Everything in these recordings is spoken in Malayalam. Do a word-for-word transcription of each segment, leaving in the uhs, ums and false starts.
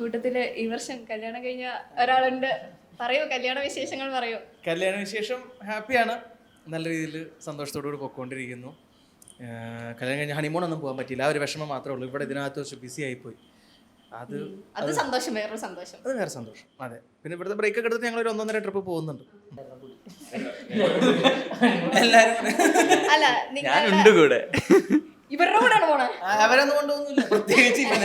കൂട്ടത്തില് ഈ വർഷം കല്യാണം കഴിഞ്ഞ ഒരാളുണ്ട്. പറയൂ, കല്യാണ വിശേഷങ്ങൾ പറയൂ. കല്യാണ വിശേഷം ഹാപ്പിയാണ്, നല്ല രീതിയിൽ സന്തോഷത്തോടുകൂടി പൊയ്ക്കൊണ്ടിരിക്കുന്നു. കല്യാണം കഴിഞ്ഞ ഹണിമൂൺ ഒന്നും പോകാൻ പറ്റിയില്ല, ആ ഒരു വിഷമം മാത്രമേ ഉള്ളൂ. ഇവിടെ ഇതിനകത്ത് വെച്ച് ബിസി ആയിപ്പോയി. അത് അത് സന്തോഷം, വേറൊരു സന്തോഷം. അത് വേറെ സന്തോഷം. അതെ, പിന്നെ ഇവിടുത്തെ ബ്രേക്ക് ഒക്കെ എടുത്തിട്ട് ഞങ്ങൾ ഒരു ഒന്നൊന്നര ട്രിപ്പ് പോകുന്നുണ്ട് എല്ലാരും. അല്ല, ഞാനുണ്ട് കൂടെ. ഇവരുടെ കൂടെയാണ് പോണേ. അവരൊന്നും കൊണ്ടുപോകുന്നില്ല, പ്രത്യേകിച്ച് ഇവനെ.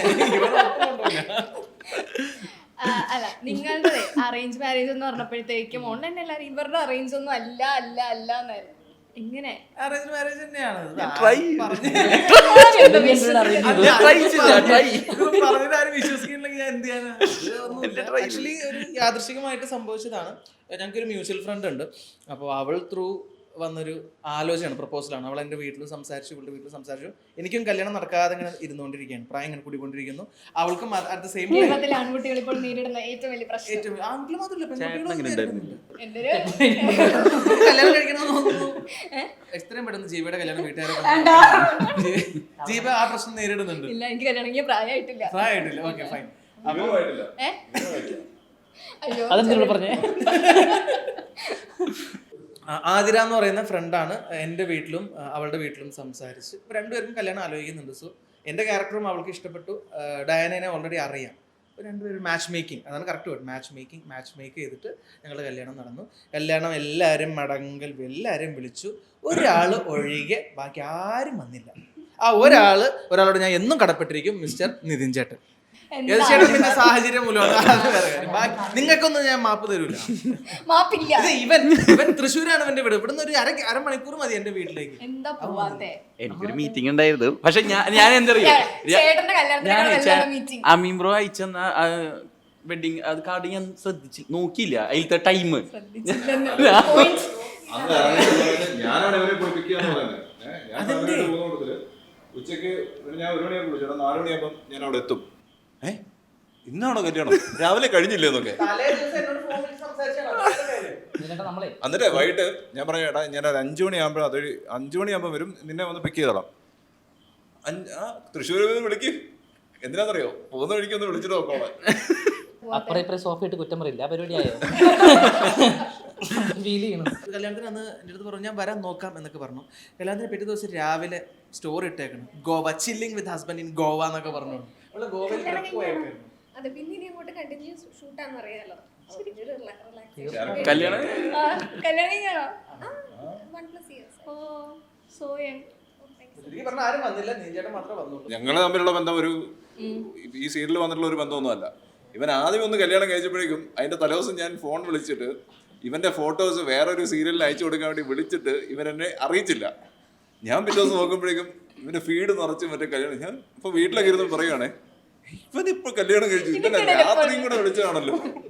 അല്ല, നിങ്ങളുടെ അറേഞ്ച് മാരേജ് എന്ന് പറഞ്ഞപ്പോഴത്തേക്കും ഓൺലൈൻ എല്ലാവരും ഇവരുടെ അറേഞ്ച് ഒന്നും അല്ല അല്ല അല്ല എന്നായിരുന്നു. എങ്ങനെ അറേഞ്ച് മാരേജ് തന്നെയാണ് പറഞ്ഞിട്ടാരും വിശ്വസിക്കുന്നില്ലെങ്കിൽ ഞാൻ എന്ത് ചെയ്യാനാ? ആക്ച്വലി ഒരു യാദൃശികമായിട്ട് സംഭവിച്ചതാണ്. ഞങ്ങൾക്കൊരു മ്യൂച്വൽ ഫ്രണ്ട് ഉണ്ട്. അപ്പോൾ അവൾ ത്രൂ വന്നൊരു ആലോചനയാണ്, പ്രപ്പോസലാണ്. അവൾ എൻ്റെ വീട്ടിൽ സംസാരിച്ചു, ഇവളുടെ വീട്ടിൽ സംസാരിച്ചു. എനിക്കും കല്യാണം നടക്കാതെ ഇങ്ങനെ ഇരുന്നുകൊണ്ടിരിക്കുകയാണ്, പ്രായം ഇങ്ങനെ കൂടിക്കൊണ്ടിരിക്കുന്നു. അവൾക്കും അറ്റ് ദ സെയിം ടൈം ആൺകുട്ടികൾ ഇപ്പോൾ നേരിടുന്ന ഏറ്റവും വലിയ പ്രശ്നം, ഏറ്റവും ആൺകുട്ടികൾ മാത്രമല്ല പെൺകുട്ടികളും കല്യാണം കഴിക്കണമെന്ന് തോന്നുന്നു. എത്രയും പെട്ടെന്ന് ജീവയുടെ കല്യാണം വീട്ടുകാരെ ജീവ ആ പ്രശ്നം നേരിടുന്നുണ്ട്. ഇല്ല, എനിക്ക് കല്യാണം കഴിഞ്ഞ പ്രായമായിട്ടില്ല. പ്രായമായിട്ടില്ല, ഓക്കെ ഫൈൻ. അതെന്താ പറഞ്ഞേ? ആതിര എന്ന് പറയുന്ന ഫ്രണ്ടാണ് എൻ്റെ വീട്ടിലും അവളുടെ വീട്ടിലും സംസാരിച്ച് രണ്ടുപേർക്കും കല്യാണം ആലോചിക്കുന്നുണ്ട്. സോ എൻ്റെ ക്യാരക്ടറും അവൾക്ക് ഇഷ്ടപ്പെട്ടു. ഡയാനെ ഓൾറെഡി അറിയാം. അപ്പോൾ രണ്ടുപേരും മാച്ച് മേക്കിംഗ്, അതാണ് correct word, match making. Match make ചെയ്തിട്ട് ഞങ്ങളുടെ കല്യാണം നടന്നു. കല്യാണം എല്ലാവരും മടങ്കൽ എല്ലാവരും വിളിച്ചു, ഒരാൾ ഒഴികെ ബാക്കി ആരും വന്നില്ല. ആ ഒരാൾ ഒരാളോട് ഞാൻ എന്നും കടപ്പെട്ടിരിക്കും, മിസ്റ്റർ നിതിൻ ചേട്ടൻ. ചേട്ടൻ പിന്നെ സാഹചര്യം മൂലമാണ്, നിങ്ങൾക്കൊന്നും ഞാൻ മാപ്പ് തരൂല. മാപ്പില്ല. ഇവൻ ഇവൻ തൃശ്ശൂരാണ് ഇവന്റെ വീട്. ഇവിടുന്ന് ഒരു അര അരമണിക്കൂർ മതി എന്റെ വീട്ടിലേക്ക്. എന്താ പോവാത്തെ? എനിക്കൊരു മീറ്റിംഗ് ഉണ്ടായിരുന്നു, പക്ഷെ ഞാൻ ഞാൻ എന്തറിയോ അമീൻ ബ്രോ അയച്ചെന്ന വെഡിങ് അത് കാർഡ് ഞാൻ ശ്രദ്ധിച്ചു നോക്കിയില്ല, അതിലത്തെ ടൈം ഉച്ചക്ക് ഞാൻ ഒരു മണിയാകുമ്പോൾ വിളിച്ചു, നാല് മണിയാകുമ്പോൾ ഞാൻ അവിടെ എത്തും. ഏ ഇന്നാണോ കല്യാണം? രാവിലെ കഴിഞ്ഞില്ലേ എന്നൊക്കെ. എന്നിട്ട് വൈകിട്ട് ഞാൻ പറഞ്ഞു, ഏട്ടാ ഞാൻ ഒരു അഞ്ചു മണിയാകുമ്പോൾ അതൊരു അഞ്ചു മണിയാകുമ്പോൾ വരും, നിന്നെ വന്ന് പിക്ക് ചെയ്തോളാം. അഞ്ച് ആ തൃശ്ശൂർ വിളിക്ക്, എന്തിനാന്നറിയോ? പോകുന്ന വഴിക്ക് ഒന്ന് വിളിച്ചിട്ട് നോക്കോളാം. അപ്പുറം ഇപ്പുറം സോഫ ഇട്ട് കുറ്റം പറയില്ല, ആ പരിപാടിയായോ? കല്യാണത്തിന് അന്ന് എൻ്റെ അടുത്ത് പറഞ്ഞു ഞാൻ വരാൻ നോക്കാം എന്നൊക്കെ പറഞ്ഞു. കല്യാണത്തിന് പിറ്റേ ദിവസം രാവിലെ സ്റ്റോറി ഇട്ടേക്കണം, Goa chilling with husband in Goa എന്നൊക്കെ പറഞ്ഞു. അവള് ഗോവയിൽ ആരും വന്നില്ല, നീചേട്ടൻ മാത്രമേ വന്നുള്ളൂ. ഞങ്ങള് തമ്മിലുള്ള ബന്ധം ഒരു ഈ സീരിയലിൽ വന്നിട്ടുള്ള ഒരു ബന്ധമൊന്നുമല്ല. ഇവൻ ആദ്യം ഒന്ന് കല്യാണം കഴിച്ചപ്പോഴേക്കും അതിന്റെ തലേദിവസം ഞാൻ ഫോൺ വിളിച്ചിട്ട് ഇവന്റെ ഫോട്ടോസ് വേറൊരു സീരിയലിൽ അയച്ചു കൊടുക്കാൻ വേണ്ടി വിളിച്ചിട്ട് ഇവൻ എന്നെ അറിയിച്ചില്ല. ഞാൻ പിറ്റേ ദിവസം നോക്കുമ്പോഴേക്കും ഇവന്റെ ഫീഡ് നിറച്ച് മറ്റേ കല്യാണം. ഞാൻ ഇപ്പൊ വീട്ടിലൊക്കെ ഇരുന്ന് പറയുവാണേ, ഇവനിപ്പോ കല്യാണം കഴിച്ചു, ഇവനെ രാത്രിയും കൂടെ വിളിച്ചതാണല്ലോ.